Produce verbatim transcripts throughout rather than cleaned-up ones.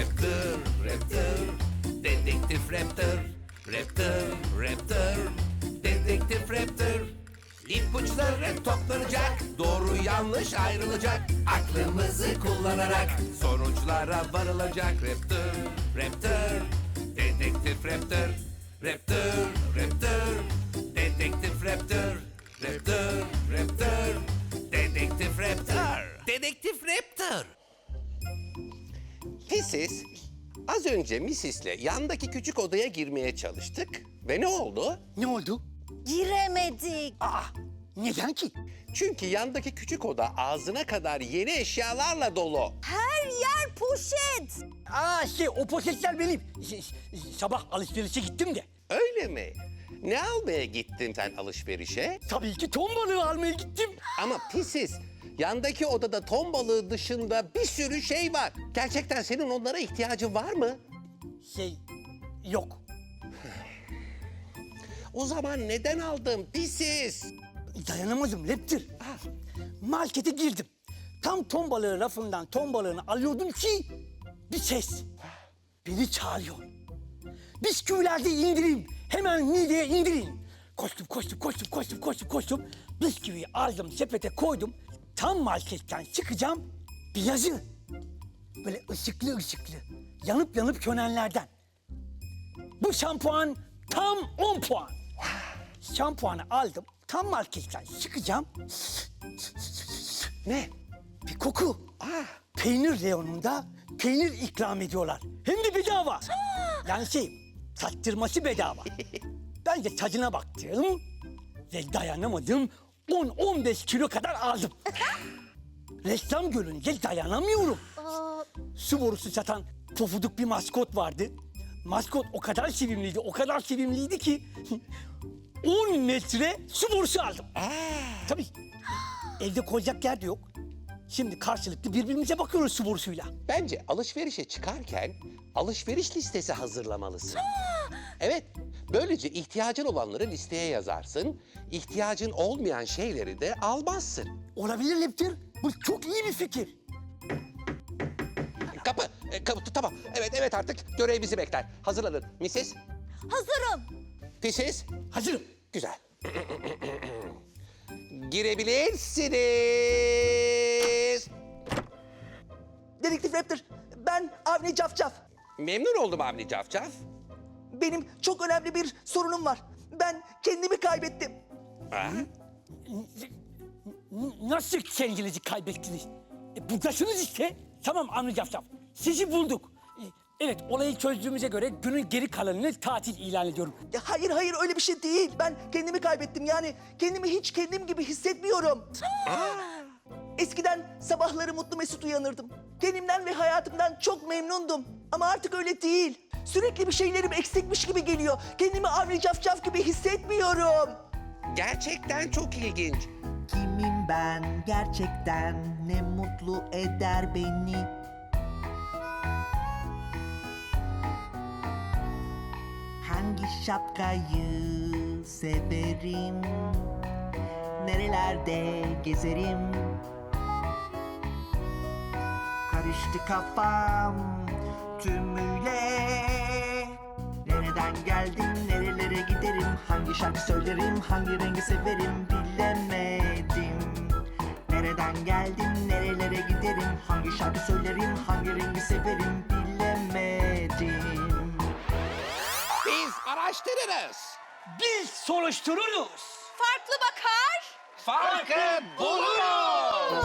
Raptor, Raptor, Dedektif Raptor. Raptor, Raptor, Dedektif Raptor. İpuçları toplanacak, doğru yanlış ayrılacak. Aklımızı kullanarak sonuçlara varılacak. Raptor, Raptor, Dedektif Raptor. Raptor, Raptor, Dedektif Raptor. Raptor, Raptor, Dedektif Raptor. Dedektif Raptor. Pisiz, az önce misis'le yandaki küçük odaya girmeye çalıştık ve ne oldu? Ne oldu? Giremedik. Aa, neden ki? Çünkü yandaki küçük oda ağzına kadar yeni eşyalarla dolu. Her yer poşet. Aa şey, o poşetler benim. Ş- ş- Sabah alışverişe gittim de. Öyle mi? Ne almaya gittin sen alışverişe? Tabii ki ton balığı almaya gittim. Ama pisiz, yandaki odada ton balığı dışında bir sürü şey var. Gerçekten senin onlara ihtiyacın var mı? Şey, yok. O zaman neden aldın pisiz? Dayanamadım Raptor. Markete girdim. Tam ton balığı rafından ton balığını alıyordum ki bir ses beni çağırıyor. Bisküvilerde indirin. Hemen mideye indirin. Koştum, koştum, koştum, koştum, koştum, koştum. Bisküviyi aldım, sepete koydum. Tam marketten çıkacağım, bir yazı. Böyle ışıklı ışıklı, yanıp yanıp sönenlerden. Bu şampuan tam on puan. Şampuanı aldım, tam marketten çıkacağım. Ne? Bir koku. Ah, Peynir reyonunda peynir ikram ediyorlar. Hem de bedava. Yani şey, tattırması bedava. Ben de tadına baktım ve dayanamadım. on on beş kilo kadar aldım. Reklam görünce dayanamıyorum. Su borusu satan pofuduk bir maskot vardı. Maskot o kadar sevimliydi, o kadar sevimliydi ki... on metre su borusu aldım. Tabii evde koyacak yer de yok. Şimdi karşılıklı birbirimize bakıyoruz su borusuyla. bence alışverişe çıkarken alışveriş listesi hazırlamalısın. Evet, böylece ihtiyacın olanları listeye yazarsın. İhtiyacın olmayan şeyleri de almazsın. Olabilir Leptir. Bu çok iyi bir fikir. Kapı, e, kapı, tamam. Evet, evet artık görev bizi bekler. Hazırlanın. missis, Hazırım. Pisiz, Hazırım. güzel. Girebilirsiniz. Dedektif Raptor, ben Avni Cafcaf. Memnun oldum Avni Cafcaf. Benim çok önemli bir sorunum var. Ben kendimi kaybettim. Ha? N- Nasıl kendinizi kaybettiniz? E, buradasınız işte. Tamam Avni Cafcaf. Sizi bulduk. E, evet, olayı çözdüğümüze göre günün geri kalanını tatil ilan ediyorum. Ya hayır hayır öyle bir şey değil. Ben kendimi kaybettim. Yani kendimi hiç kendim gibi hissetmiyorum. Eskiden sabahları mutlu mesut uyanırdım. Kendimden ve hayatımdan çok memnundum. Ama artık öyle değil. Sürekli bir şeylerim eksikmiş gibi geliyor. Kendimi Avni Cafcaf gibi hissetmiyorum. Gerçekten çok ilginç. Kimim ben gerçekten, ne mutlu eder beni. Hangi şapkayı severim, nerelerde gezerim. Karıştı kafam tümüyle. Nereden geldim, nerelere giderim, hangi şarkı söylerim, hangi rengi severim bilemedim. Nereden geldim, nerelere giderim, hangi şarkı söylerim, hangi rengi severim bilemedim. Biz araştırırız. Biz soruştururuz. Farklı bakar. Farkı buluruz.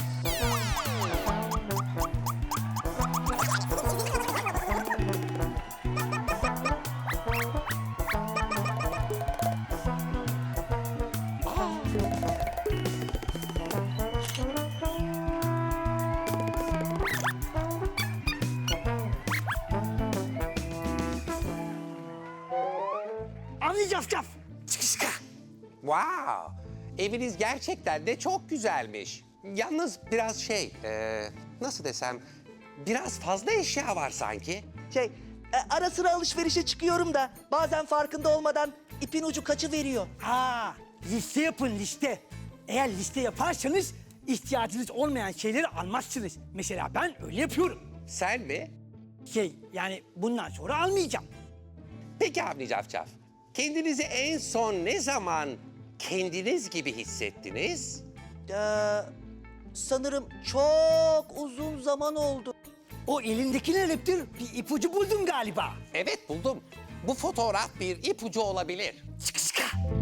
Avni Cafcaf. Çıkışka. Wow, eviniz gerçekten de çok güzelmiş. Yalnız biraz şey, e, nasıl desem, biraz fazla eşya var sanki. Şey, e, ara sıra alışverişe çıkıyorum da bazen farkında olmadan ipin ucu kaçıveriyor. Aa, liste yapın liste. Eğer liste yaparsanız ihtiyacınız olmayan şeyleri almazsınız. Mesela ben öyle yapıyorum. Sen mi? Şey yani bundan sonra almayacağım. Peki Avni Cafcaf, kendinizi en son ne zaman kendiniz gibi hissettiniz? Ee, sanırım çok uzun zaman oldu. O elindeki ne Raptor? Bir ipucu buldun galiba. Evet buldum. Bu fotoğraf bir ipucu olabilir. Sıkı sıkı.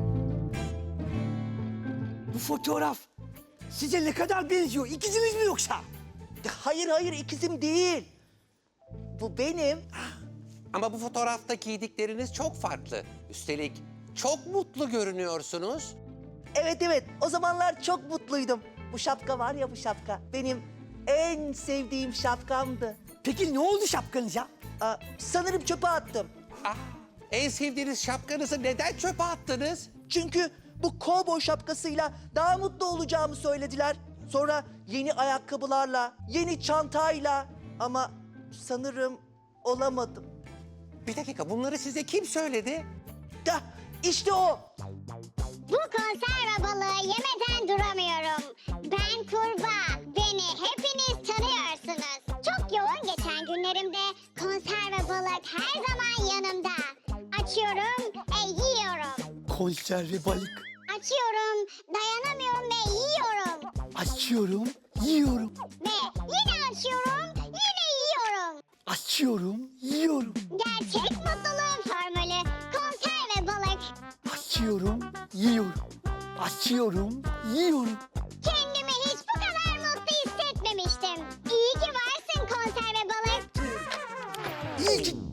Bu fotoğraf size ne kadar benziyor? İkiziniz mi yoksa? Hayır hayır ikizim değil. Bu benim. Ama bu fotoğrafta giydikleriniz çok farklı. Üstelik çok mutlu görünüyorsunuz. Evet evet o zamanlar çok mutluydum. Bu şapka var ya bu şapka. Benim en sevdiğim şapkamdı. Peki ne oldu şapkanıza? Aa, sanırım çöpe attım. Ah, en sevdiğiniz şapkanızı neden çöpe attınız? Çünkü bu kovboy şapkasıyla daha mutlu olacağımı söylediler. Sonra yeni ayakkabılarla, yeni çantayla ama sanırım olamadım. Bir dakika, bunları size kim söyledi? Da işte o. Bu konserve balığı yemeden duramıyorum. Ben kurbağa. Beni hepiniz tanıyorsunuz. Çok yoğun geçen günlerimde konserve balık her zaman yanımda. Açıyorum, e, yiyorum. Konserve balık. Açıyorum, dayanamıyorum ve yiyorum. Açıyorum, yiyorum. Ve yine açıyorum, yine yiyorum. Açıyorum, yiyorum. Gerçek mutluluğun formülü konserve balık. Açıyorum, yiyorum. Açıyorum, yiyorum. Kendimi hiç bu kadar mutlu hissetmemiştim. İyi ki varsın konserve balık. İyi ki...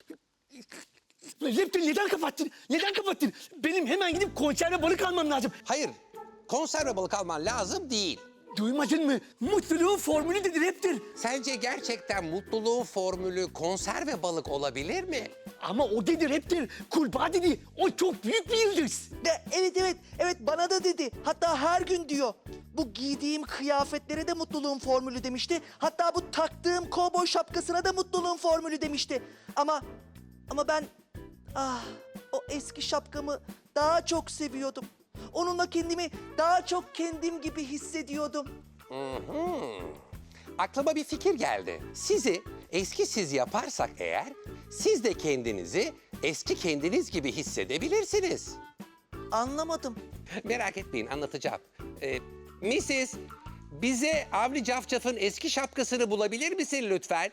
Raptor neden kapattın? Neden kapattın? Benim hemen gidip konserve balık almam lazım. Hayır, konserve balık alman lazım değil. Duymadın mı? Mutluluğun formülü dedi Raptor. Sence gerçekten mutluluğun formülü konserve balık olabilir mi? Ama o dedi Raptor. Kurbağa dedi. O çok büyük bir yıldız. De, evet evet evet bana da dedi. Hatta her gün diyor. Bu giydiğim kıyafetlere de mutluluğun formülü demişti. Hatta bu taktığım kovboy şapkasına da mutluluğun formülü demişti. Ama ama ben ah o eski şapkamı daha çok seviyordum. Onunla kendimi daha çok kendim gibi hissediyordum. Aklıma bir fikir geldi. Sizi eski siz yaparsak eğer, siz de kendinizi eski kendiniz gibi hissedebilirsiniz. Anlamadım. Merak etmeyin, anlatacağım. Ee, missis, bize Avni Cafcaf'ın eski şapkasını bulabilir misin lütfen?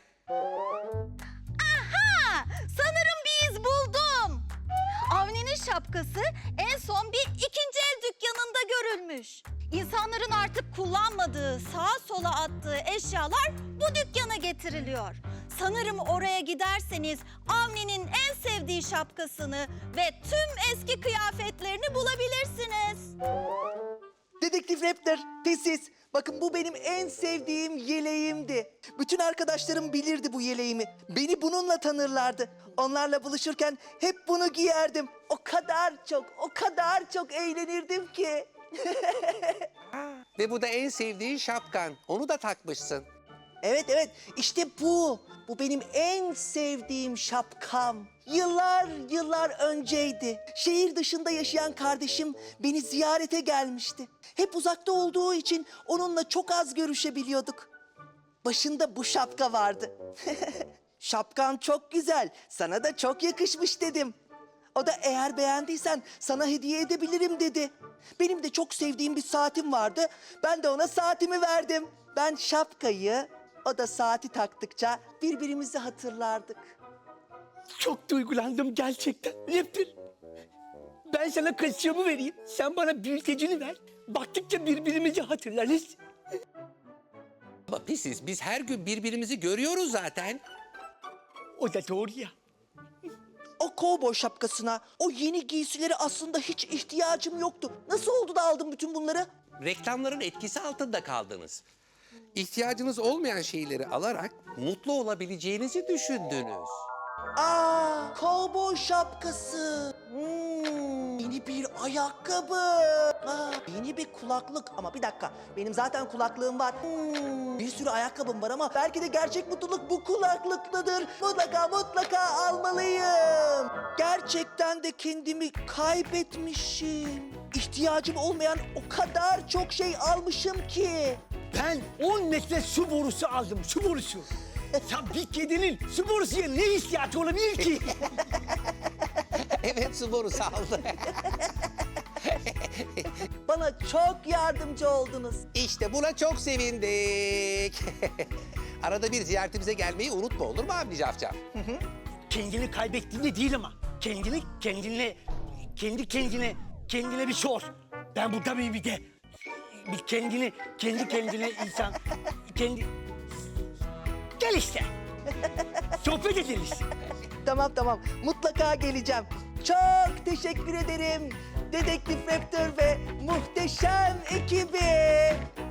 Ha, sanırım bir iz buldum. Avni'nin şapkası en son bir ikinci el dükkanında görülmüş. İnsanların artık kullanmadığı, sağa sola attığı eşyalar bu dükkana getiriliyor. Sanırım oraya giderseniz Avni'nin en sevdiği şapkasını ve tüm eski kıyafetlerini bulabilirsiniz. Dedektif Raptor, pisiz. Bakın bu benim en sevdiğim yeleğimdi. Bütün arkadaşlarım bilirdi bu yeleğimi. Beni bununla tanırlardı. Onlarla buluşurken hep bunu giyerdim. O kadar çok, o kadar çok eğlenirdim ki. Ve bu da en sevdiğin şapkan. Onu da takmışsın. Evet evet işte bu. Bu benim en sevdiğim şapkam. Yıllar yıllar önceydi. Şehir dışında yaşayan kardeşim beni ziyarete gelmişti. Hep uzakta olduğu için onunla çok az görüşebiliyorduk. Başında bu şapka vardı. Şapkan çok güzel, sana da çok yakışmış dedim. O da eğer beğendiysen sana hediye edebilirim dedi. Benim de çok sevdiğim bir saatim vardı. Ben de ona saatimi verdim. Ben şapkayı, o da saati taktıkça birbirimizi hatırlardık. Çok duygulandım gerçekten. Raptor. Ben sana kaşığımı vereyim. Sen bana büyütecini ver. Baktıkça birbirimizi hatırlarız. Ama pisiz, biz her gün birbirimizi görüyoruz zaten. O da doğru ya. O kovboy şapkasına, o yeni giysilere aslında hiç ihtiyacım yoktu. Nasıl oldu da aldım bütün bunları? Reklamların etkisi altında kaldınız. İhtiyacınız olmayan şeyleri alarak mutlu olabileceğinizi düşündünüz. Aa, kovboy şapkası. Hmm, yeni bir ayakkabı. Aa, yeni bir kulaklık. Ama bir dakika, benim zaten kulaklığım var. Hmm, bir sürü ayakkabım var ama belki de gerçek mutluluk bu kulaklıktadır. Mutlaka mutlaka almalıyım. Gerçekten de kendimi kaybetmişim. İhtiyacım olmayan o kadar çok şey almışım ki. Ben on metre su borusu aldım, su borusu. Ya bir kedinin spor suya ne ihtiyacı olabilir ki? Evet, su borusu aldı. Bana çok yardımcı oldunuz. İşte buna çok sevindik. Arada bir ziyaretimize gelmeyi unutma, olur mu Avni Cafcaf? Kendini kaybettiğinde değil ama. Kendini kendine, kendi kendine, kendine bir sor. Ben burada mıyım bir de? Bir kendini, kendi kendine insan, kendi... Gel işte. Sohbet ederiz. Tamam tamam, mutlaka geleceğim. Çok teşekkür ederim. Dedektif Raptor ve muhteşem ekibi.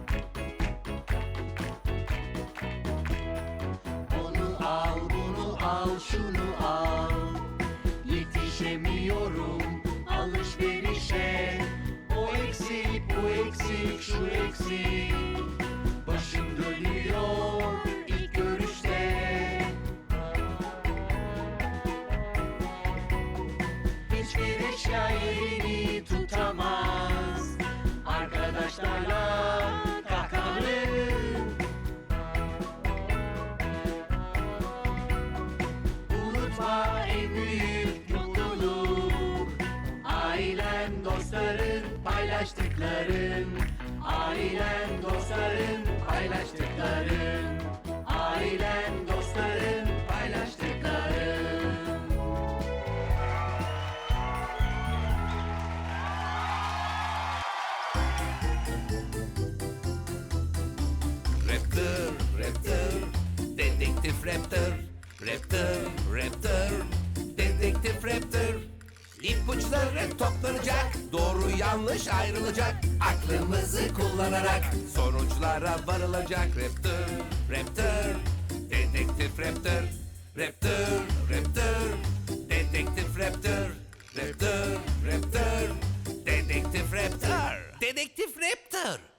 Onu al, bunu al, şunu al. Yetişemiyorum alışverişe. O eksik, bu eksik, şu eksik. Başım dönüyor ilk görüşte. Hiçbir eşya yerini tutamaz. Arkadaşlarla kahkahalarım. Unutma en büyük mutluluk. Ailen, dostların, paylaştıkların. Ailen, dostların, paylaştıkların. Ailen, dostların, paylaştıkların. Raptor, Raptor, Dedektif Raptor. Raptor, Raptor, Dedektif Raptor. İpuçları toplanacak, doğru yanlış ayrılacak. Aklımızı kullanarak sonuçlara varılacak. Raptor, Raptor, Dedektif Raptor. Raptor, Raptor, Dedektif Raptor. Raptor, Raptor, Dedektif Raptor. Dedektif Raptor.